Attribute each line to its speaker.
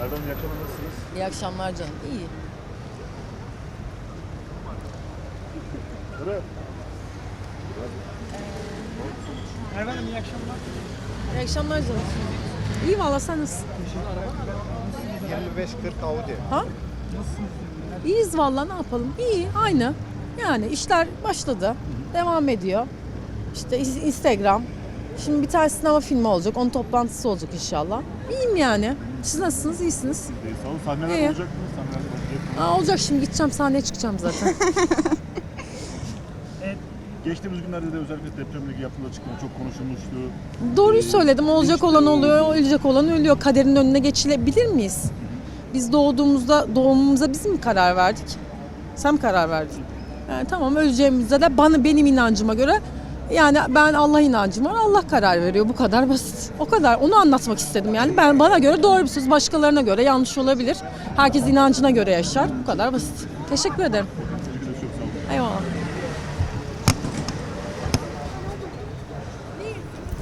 Speaker 1: Erdoğan iyi akşamlar, nasılsınız?
Speaker 2: İyi akşamlar canım. İyi.
Speaker 1: Evet.
Speaker 3: Merve Hanım iyi akşamlar.
Speaker 2: İyi akşamlar canım. İyi valla, sen nasılsın?
Speaker 4: 25-40 Audi.
Speaker 2: Ha? İyiyiz valla, ne yapalım? İyi, aynı. Yani işler başladı. Devam ediyor. İşte Instagram. Şimdi bir tane sinema filmi olacak. Onun toplantısı olacak inşallah. İyiyim yani. Siz nasılsınız? İyisiniz?
Speaker 1: Sağ olun. Sahneler
Speaker 2: İyi.
Speaker 1: olacak mı? Sahneler olacak.
Speaker 2: Olacak, şimdi gideceğim, sahneye çıkacağım zaten.
Speaker 1: Geçtiğimiz günlerde de özellikle depremle ilgili yapılan açıklama çok konuşulmuştu.
Speaker 2: Doğruyu söyledim. Olacak olan oluyor, ölecek olan ölüyor. Kaderin önüne geçilebilir miyiz? Biz doğumumuza biz mi karar verdik? Sen mi karar verdin? Yani tamam, öleceğimizde de benim inancıma göre, yani ben Allah inancım var. Allah karar veriyor. Bu kadar basit. O kadar. Onu anlatmak istedim yani. Bana göre doğru bir söz, başkalarına göre yanlış olabilir. Herkes inancına göre yaşar. Bu kadar basit. Teşekkür ederim.
Speaker 1: Teşekkür ederim, çok sağ olun.
Speaker 2: Eyvallah.